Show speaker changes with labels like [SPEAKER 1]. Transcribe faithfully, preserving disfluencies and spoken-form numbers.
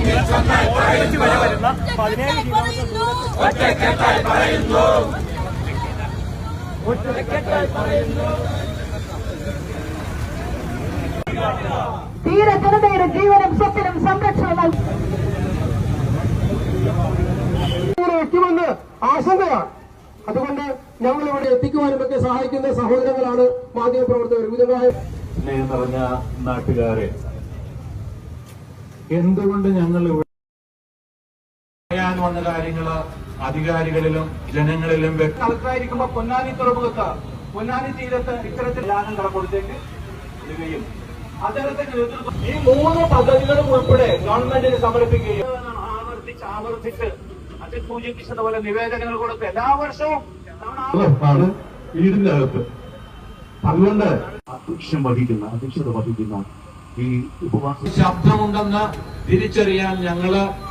[SPEAKER 1] വരെ വരുന്ന പതിനേഴ് കിലോമീറ്റർ പറയുന്നു.
[SPEAKER 2] തീര ജനതയുടെ ജീവനും സ്വത്തിനും സംരക്ഷണം
[SPEAKER 3] എത്തുമെന്ന് ആശങ്കയാണ്. അതുകൊണ്ട് ഞങ്ങൾ ഇവിടെ എത്തിക്കുവാനുമൊക്കെ സഹായിക്കുന്ന സഹോദരങ്ങളാണ് മാധ്യമപ്രവർത്തകർ. വിധമായ
[SPEAKER 4] സ്നേഹം നിറഞ്ഞ നാട്ടുകാരെ, എന്തുകൊണ്ട് ഞങ്ങൾ ഇവിടെ പറയാൻ വന്ന കാര്യങ്ങള് അധികാരികളിലും ജനങ്ങളിലും കളക്ടറായിരിക്കുമ്പോ പൊന്നാനി തുറമുഖത്ത് പൊന്നാനി തീരത്ത് ഇത്തരത്തിൽ ലാഭം കടക്കൊടുത്തേക്ക് ഇടുകയും അദ്ദേഹത്തിന്റെ നേതൃത്വം ഈ മൂന്ന് പദ്ധതികളും ഉൾപ്പെടെ ഗവൺമെന്റിന് സമർപ്പിക്കുകയും ആവർത്തിച്ച് ആവർത്തിച്ച് അതിൽ സൂചിപ്പിച്ചത് പോലെ നിവേദനങ്ങൾ കൊടുത്ത് എല്ലാ വർഷവും വീടിന്റെ അകത്ത് അതുകൊണ്ട് അധ്യക്ഷം വഹിക്കുന്ന അധ്യക്ഷത വഹിക്കുന്ന ഈ ഉപവാസ ശബ്ദമുണ്ടെന്ന് തിരിച്ചറിയാൻ ഞങ്ങള്